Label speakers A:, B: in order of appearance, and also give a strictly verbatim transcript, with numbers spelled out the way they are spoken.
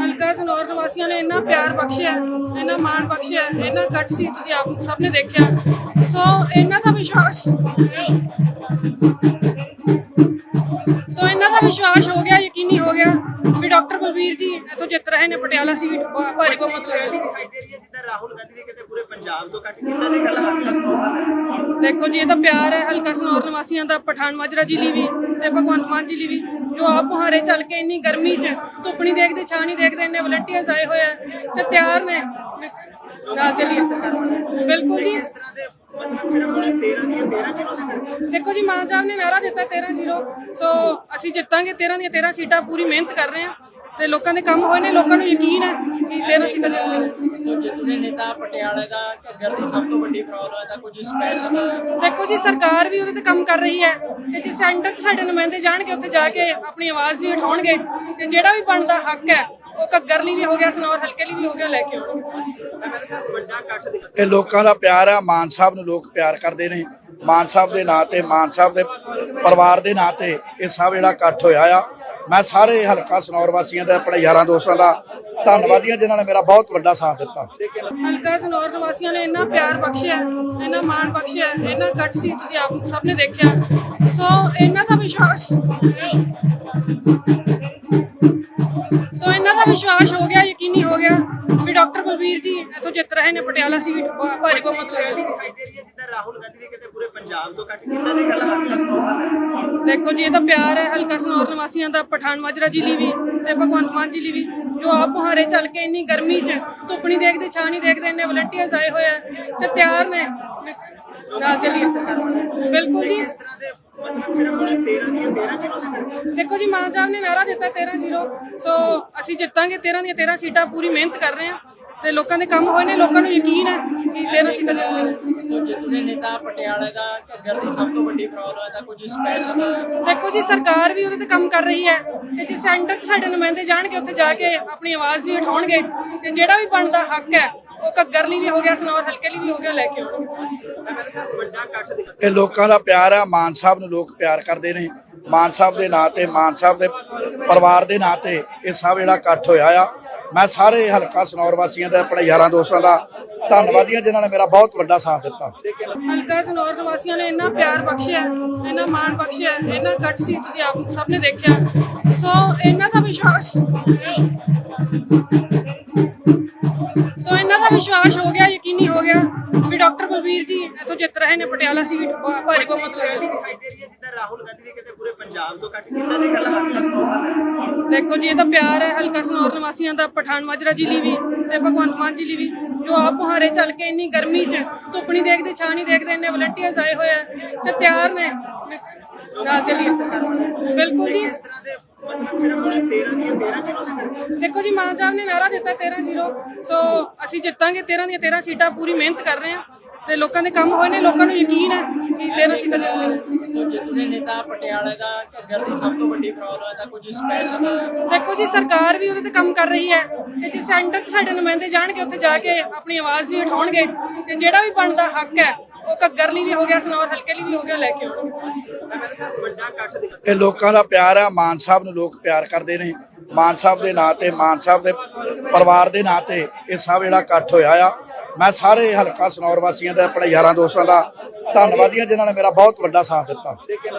A: ਹਲਕਾ ਸਨੌਰ ਨਿਵਾਸੀਆਂ ਨੇ ਇੰਨਾ ਪਿਆਰ ਬਖਸ਼ਿਆ, ਇੰਨਾ ਮਾਣ ਬਖਸ਼ਿਆ, ਇੰਨਾ ਇਕੱਠ ਸੀ, ਤੁਸੀਂ ਆਪ ਸਭ ਨੇ ਦੇਖਿਆ। ਸੋ ਇਹਨਾਂ ਦਾ ਵਿਸ਼ਵਾਸ ਸੋ ਇਹਨਾਂ ਦਾ ਵਿਸ਼ਵਾਸ ਹੋ ਗਿਆ, ਯਕੀਨੀ ਹੋ ਗਿਆ ਵੀ ਡਾਕਟਰ ਬਲਬੀਰ ਜੀ ਇੱਥੋਂ ਜਿੱਤ ਰਹੇ ਨੇ ਪਟਿਆਲਾ ਸੀਟ ਭਾਰੀ ਬਹੁਮਤ ਨਾਲ।
B: ਦਿਖਾਈ ਦੇ ਰਹੀ ਹੈ ਜਿੱਦਾਂ ਰਾਹੁਲ ਗਾਂਧੀ ਨੇ ਕਿਤੇ ਪੂਰੇ ਪੰਜਾਬ ਤੋਂ ਇਕੱਠ ਕੀਤਾ ਤੇ ਕੱਲ ਹਲਕਾ ਸਨੌਰ ਦਾ।
A: ਦੇਖੋ ਜੀ, ਇਹ ਤਾਂ ਪਿਆਰ ਹੈ ਹਲਕਾ ਸਨੌਰ ਨਿਵਾਸੀਆਂ ਦਾ, ਪਠਾਨ ਮਾਜਰਾ ਜ਼ਿਲ੍ਹੇ ਵੀ ਤੇ ਭਗਵੰਤ ਮਾਨ ਜ਼ਿਲ੍ਹੇ ਵੀ, ਜੋ ਆਪ ਮੁਹਾਰੇ ਚੱਲ ਕੇ ਇੰਨੀ ਗਰਮੀ 'ਚ ਧੁੱਪ ਨਹੀਂ ਦੇਖਦੇ, ਛਾਂ ਨਹੀਂ ਦੇਖਦੇ, ਇੰਨੇ ਵਲੰਟੀਅਰਸ ਆਏ ਹੋਏ ਆ ਤੇ ਤਿਆਰ ਨੇ ਨਾਲ ਚੱਲੀਏ। ਬਿਲਕੁਲ ਜੀ,
B: ਇਸ ਤਰ੍ਹਾਂ ਦੇ ਮਤਲਬ ਜਿਹੜਾ ਹੁਣ ਤੇਰਾਂ ਦੀਆਂ ਤੇਰਾਂ ਜ਼ੀਰੋ ਦੇ ਕਰਕੇ
A: ਦੇਖੋ ਜੀ, ਮਾਨ ਸਾਹਿਬ ਨੇ ਨਾਰਾ ਦਿੱਤਾ ਤੇਰਾਂ ਜ਼ੀਰੋ, ਸੋ ਅਸੀਂ ਜਿੱਤਾਂਗੇ। ਤੇਰਾਂ ਦੀਆਂ ਤੇਰਾਂ ਸੀਟਾਂ ਪੂਰੀ ਮਿਹਨਤ ਕਰ ਰਹੇ ਹਾਂ ਤੇ ਲੋਕਾਂ ਦੇ ਕੰਮ ਹੋਏ ਨੇ, ਲੋਕਾਂ ਨੂੰ ਯਕੀਨ ਹੈ ਕਿ ਤੇਰਾਂ ਸੀਟਾਂ ਜਿੱਤਾਂਗੇ।
B: ਜਿੱਤਦੇ ਨੇਤਾ ਪਟਿਆਲੇ ਦਾ ਘੱਗਰ ਦੀ ਸਭ ਤੋਂ ਵੱਡੀ ਪ੍ਰੋਬਲਮ ਹੈ ਤਾਂ ਕੁਝ ਸਪੈਸ਼ਲ
A: ਦੇਖੋ ਜੀ, ਸਰਕਾਰ ਵੀ ਉਹਦੇ ਤੇ ਕੰਮ ਕਰ ਰਹੀ ਹੈ ਤੇ ਜੇ ਸੈਂਟਰ 'ਚ ਸਾਡੇ ਨੁਮਾਇੰਦੇ ਜਾਣਗੇ, ਉੱਥੇ ਜਾ ਕੇ ਆਪਣੀ ਆਵਾਜ਼ ਵੀ ਉਠਾਉਣਗੇ ਤੇ ਜਿਹੜਾ ਵੀ ਬਣਦਾ ਹੱਕ ਹੈ ਉਹ ਘੱਗਰ ਲਈ ਵੀ ਹੋ ਗਿਆ, ਸਨੌਰ ਹਲਕੇ ਲਈ ਵੀ ਹੋ ਗਿਆ, ਲੈ ਕੇ ਆਉਣਗੇ।
B: ਵੱਡਾ ਇਕੱਠ ਦਿਖਾ
C: ਇਹ ਲੋਕਾਂ ਦਾ ਪਿਆਰ ਆ। ਮਾਨ ਸਾਹਿਬ ਨੂੰ ਲੋਕ ਪਿਆਰ ਕਰਦੇ ਨੇ। ਮਾਨ ਸਾਹਿਬ ਦੇ ਨਾਂ ਤੇ, ਮਾਨ ਸਾਹਿਬ ਦੇ ਪਰਿਵਾਰ ਦੇ ਨਾਂ ਤੇ ਇਹ ਸਭ ਜਿਹੜਾ ਇਕੱਠ ਹੋਇਆ ਆ। ਮੈਂ ਸਾਰੇ ਹਲਕਾ ਸਨੌਰ ਵਾਸੀਆਂ ਦਾ, ਆਪਣੇ ਯਾਰਾਂ ਦੋਸਤਾਂ ਦਾ ਧੰਨਵਾਦੀ ਹਾਂ ਜਿਨ੍ਹਾਂ ਨੇ ਮੇਰਾ ਬਹੁਤ ਵੱਡਾ ਸਾਥ ਦਿੱਤਾ।
A: ਹਲਕਾ ਸਨੌਰ ਨਿਵਾਸੀਆਂ ਨੇ ਇੰਨਾ ਪਿਆਰ ਬਖਸ਼ਿਆ, ਇੰਨਾ ਮਾਣ ਬਖਸ਼ਿਆ, ਇੰਨਾ ਇਕੱਠ ਸੀ, ਤੁਸੀਂ ਆਪ ਸਭ ਨੇ ਦੇਖਿਆ। ਸੋ ਇਹਨਾਂ ਦਾ ਵਿਸ਼ਵਾਸ ਸੋ ਇਹਨਾਂ ਦਾ ਵਿਸ਼ਵਾਸ ਹੋ ਗਿਆ, ਯਕੀਨੀ ਹੋ ਗਿਆ ਵੀ ਡਾਕਟਰ ਬਲਬੀਰ ਜੀ ਇੱਥੋਂ ਜਿੱਤ ਰਹੇ ਨੇ ਪਟਿਆਲਾ ਸੀਟ ਭਾਰੀ ਬਹੁਮਤ ਨਾਲ।
B: ਦਿਖਾਈ ਦੇ ਰਹੀ ਹੈ ਜਿੱਦਾਂ ਰਾਹੁਲ ਗਾਂਧੀ ਨੇ ਕਿਤੇ ਪੂਰੇ ਪੰਜਾਬ ਤੋਂ ਇਕੱਠ ਕੀਤਾ ਤੇ ਕੱਲ ਹਲਕਾ ਸਨੌਰ ਦਾ।
A: ਦੇਖੋ ਜੀ, ਇਹ ਤਾਂ ਪਿਆਰ ਹੈ ਹਲਕਾ ਸਨੌਰ ਨਿਵਾਸੀਆਂ ਦਾ, ਪਠਾਨ ਮਾਜਰਾ ਜ਼ਿਲ੍ਹੇ ਵੀ ਤੇ ਭਗਵੰਤ ਮਾਨ ਜ਼ਿਲ੍ਹੇ ਵੀ, ਜੋ ਆਪ ਮੁਹਾਰੇ ਚੱਲ ਕੇ ਇੰਨੀ ਗਰਮੀ 'ਚ ਧੁੱਪ ਨਹੀਂ ਦੇਖਦੇ, ਛਾਂ ਨਹੀਂ ਦੇਖਦੇ, ਇੰਨੇ ਵਲੰਟੀਅਰਸ ਆਏ ਹੋਏ ਆ ਤੇ ਤਿਆਰ ਨੇ ਨਾਲ ਚੱਲੀਏ। ਬਿਲਕੁਲ ਜੀ,
B: ਇਸ ਤਰ੍ਹਾਂ ਦੇ ਮਤਲਬ ਜਿਹੜਾ ਹੁਣ ਤੇਰਾਂ ਦੀਆਂ ਤੇਰਾਂ ਜ਼ੀਰੋ ਦੇ ਕਰਕੇ
A: ਦੇਖੋ ਜੀ, ਮਾਨ ਸਾਹਿਬ ਨੇ ਨਾਰਾ ਦਿੱਤਾ ਤੇਰਾਂ ਜ਼ੀਰੋ, ਸੋ ਅਸੀਂ ਜਿੱਤਾਂਗੇ। ਤੇਰਾਂ ਦੀਆਂ ਤੇਰਾਂ ਸੀਟਾਂ ਪੂਰੀ ਮਿਹਨਤ ਕਰ ਰਹੇ ਹਾਂ ਤੇ ਲੋਕਾਂ ਦੇ ਕੰਮ ਹੋਏ ਨੇ, ਲੋਕਾਂ ਨੂੰ ਯਕੀਨ ਹੈ ਕਿ ਤੇਰਾਂ ਸੀਟਾਂ ਜਿੱਤਾਂਗੇ।
B: ਜਿੱਤਦੇ ਨੇਤਾ ਪਟਿਆਲੇ ਦਾ ਘੱਗਰ ਦੀ ਸਭ ਤੋਂ ਵੱਡੀ ਪ੍ਰੋਬਲਮ ਹੈ ਤਾਂ ਕੁਝ ਸਪੈਸ਼ਲ
A: ਦੇਖੋ ਜੀ, ਸਰਕਾਰ ਵੀ ਉਹਦੇ ਤੇ ਕੰਮ ਕਰ ਰਹੀ ਹੈ ਤੇ ਜੇ ਸੈਂਟਰ 'ਚ ਸਾਡੇ ਨੁਮਾਇੰਦੇ ਜਾਣਗੇ, ਉੱਥੇ ਜਾ ਕੇ ਆਪਣੀ ਆਵਾਜ਼ ਵੀ ਉਠਾਉਣਗੇ ਤੇ ਜਿਹੜਾ ਵੀ ਬਣਦਾ ਹੱਕ ਹੈ ਉਹ ਘੱਗਰ ਲਈ ਵੀ ਹੋ ਗਿਆ, ਸਨੌਰ ਹਲਕੇ ਲਈ ਵੀ ਹੋ ਗਿਆ, ਲੈ ਕੇ ਆਉਣਗੇ।
B: ਵੱਡਾ ਇਕੱਠ ਦਿਖਾ
C: ਇਹ ਲੋਕਾਂ ਦਾ ਪਿਆਰ ਆ। ਮਾਨ ਸਾਹਿਬ ਨੂੰ ਲੋਕ ਪਿਆਰ ਕਰਦੇ ਨੇ। ਮਾਨ ਸਾਹਿਬ ਦੇ ਨਾਂ ਤੇ, ਮਾਨ ਸਾਹਿਬ ਦੇ ਪਰਿਵਾਰ ਦੇ ਨਾਂ ਤੇ ਇਹ ਸਭ ਜਿਹੜਾ ਇਕੱਠ ਹੋਇਆ ਆ। ਮੈਂ ਸਾਰੇ ਹਲਕਾ ਸਨੌਰ ਵਾਸੀਆਂ ਦਾ, ਆਪਣੇ ਯਾਰਾਂ ਦੋਸਤਾਂ ਦਾ ਧੰਨਵਾਦੀ ਹਾਂ ਜਿਨ੍ਹਾਂ ਨੇ ਮੇਰਾ ਬਹੁਤ ਵੱਡਾ ਸਾਥ ਦਿੱਤਾ।
A: ਹਲਕਾ ਸਨੌਰ ਨਿਵਾਸੀਆਂ ਨੇ ਇੰਨਾ ਪਿਆਰ ਬਖਸ਼ਿਆ, ਇੰਨਾ ਮਾਣ ਬਖਸ਼ਿਆ, ਇੰਨਾ ਇਕੱਠ ਸੀ, ਤੁਸੀਂ ਆਪ ਸਭ ਨੇ ਦੇਖਿਆ। ਸੋ ਇਹਨਾਂ ਦਾ ਵਿਸ਼ਵਾਸ ਸੋ ਇਹਨਾਂ ਦਾ ਵਿਸ਼ਵਾਸ ਹੋ ਗਿਆ, ਯਕੀਨੀ ਹੋ ਗਿਆ ਵੀ ਡਾਕਟਰ ਬਲਬੀਰ ਜੀ ਇੱਥੋਂ ਜਿੱਤ ਰਹੇ ਨੇ ਪਟਿਆਲਾ ਸੀਟ ਭਾਰੀ ਬਹੁਮਤ ਨਾਲ।
B: ਦਿਖਾਈ ਦੇ ਰਹੀ ਹੈ ਜਿੱਦਾਂ ਰਾਹੁਲ ਗਾਂਧੀ ਨੇ ਕਿਤੇ ਪੂਰੇ ਪੰਜਾਬ ਤੋਂ ਇਕੱਠ ਕੀਤਾ ਤੇ ਕੱਲ ਹਲਕਾ ਸਨੌਰ ਦਾ।
A: ਦੇਖੋ ਜੀ, ਇਹ ਤਾਂ ਪਿਆਰ ਹੈ ਹਲਕਾ ਸਨੌਰ ਨਿਵਾਸੀਆਂ ਦਾ, ਪਠਾਨ ਮਾਜਰਾ ਜ਼ਿਲ੍ਹੇ ਵੀ ਤੇ ਭਗਵੰਤ ਮਾਨ ਜ਼ਿਲ੍ਹੇ ਵੀ, ਜੋ ਆਪ ਮੁਹਾਰੇ ਚੱਲ ਕੇ ਇੰਨੀ ਗਰਮੀ 'ਚ ਧੁੱਪ ਨਹੀਂ ਦੇਖਦੇ, ਛਾਂ ਨਹੀਂ ਦੇਖਦੇ, ਇੰਨੇ ਵਲੰਟੀਅਰਸ ਆਏ ਹੋਏ ਆ ਤੇ ਤਿਆਰ ਨੇ ਨਾਲ ਚੱਲੀਏ। ਬਿਲਕੁਲ ਜੀ,
B: ਇਸ ਤਰ੍ਹਾਂ ਦੇ ਮਤਲਬ ਜਿਹੜਾ ਹੁਣ ਤੇਰਾਂ ਦੀਆਂ ਤੇਰਾਂ ਜ਼ੀਰੋ ਦੇ ਕਰਕੇ
A: ਦੇਖੋ ਜੀ, ਮਾਨ ਸਾਹਿਬ ਨੇ ਨਾਰਾ ਦਿੱਤਾ ਤੇਰਾਂ ਜ਼ੀਰੋ, ਸੋ ਅਸੀਂ ਜਿੱਤਾਂਗੇ। ਤੇਰਾਂ ਦੀਆਂ ਤੇਰਾਂ ਸੀਟਾਂ ਪੂਰੀ ਮਿਹਨਤ ਕਰ ਰਹੇ ਹਾਂ ਤੇ ਲੋਕਾਂ ਦੇ ਕੰਮ ਹੋਏ ਨੇ, ਲੋਕਾਂ ਨੂੰ ਯਕੀਨ ਹੈ ਕਿ ਤੇਰਾਂ ਸੀਟਾਂ ਜਿੱਤਾਂਗੇ।
B: ਜਿੱਤਦੇ ਨੇਤਾ ਪਟਿਆਲੇ ਦਾ ਘੱਗਰ ਦੀ ਸਭ ਤੋਂ ਵੱਡੀ ਪ੍ਰੋਬਲਮ ਹੈ ਤਾਂ ਕੁਝ ਸਪੈਸ਼ਲ
A: ਦੇਖੋ ਜੀ, ਸਰਕਾਰ ਵੀ ਉਹਦੇ ਤੇ ਕੰਮ ਕਰ ਰਹੀ ਹੈ ਤੇ ਜੇ ਸੈਂਟਰ 'ਚ ਸਾਡੇ ਨੁਮਾਇੰਦੇ ਜਾਣਗੇ, ਉੱਥੇ ਜਾ ਕੇ ਆਪਣੀ ਆਵਾਜ਼ ਵੀ ਉਠਾਉਣਗੇ ਤੇ ਜਿਹੜਾ ਵੀ ਬਣਦਾ ਹੱਕ ਹੈ ਉਹ ਘੱਗਰ ਲਈ ਵੀ ਹੋ ਗਿਆ, ਸਨੌਰ ਹਲਕੇ ਲਈ ਵੀ ਹੋ ਗਿਆ, ਲੈ ਕੇ ਆਉਣਗੇ।
B: ਵੱਡਾ ਇਕੱਠ ਦਿਖਾ
C: ਇਹ ਲੋਕਾਂ ਦਾ ਪਿਆਰ ਆ। ਮਾਨ ਸਾਹਿਬ ਨੂੰ ਲੋਕ ਪਿਆਰ ਕਰਦੇ ਨੇ। ਮਾਨ ਸਾਹਿਬ ਦੇ ਨਾਂ ਤੇ, ਮਾਨ ਸਾਹਿਬ ਦੇ ਪਰਿਵਾਰ ਦੇ ਨਾਂ ਤੇ ਇਹ ਸਭ ਜਿਹੜਾ ਇਕੱਠ ਹੋਇਆ ਆ। ਮੈਂ ਸਾਰੇ ਹਲਕਾ ਸਨੌਰ ਵਾਸੀਆਂ ਦਾ, ਆਪਣੇ ਯਾਰਾਂ ਦੋਸਤਾਂ ਦਾ ਧੰਨਵਾਦੀ ਹਾਂ ਜਿਨ੍ਹਾਂ ਨੇ ਮੇਰਾ ਬਹੁਤ ਵੱਡਾ ਸਾਥ ਦਿੱਤਾ।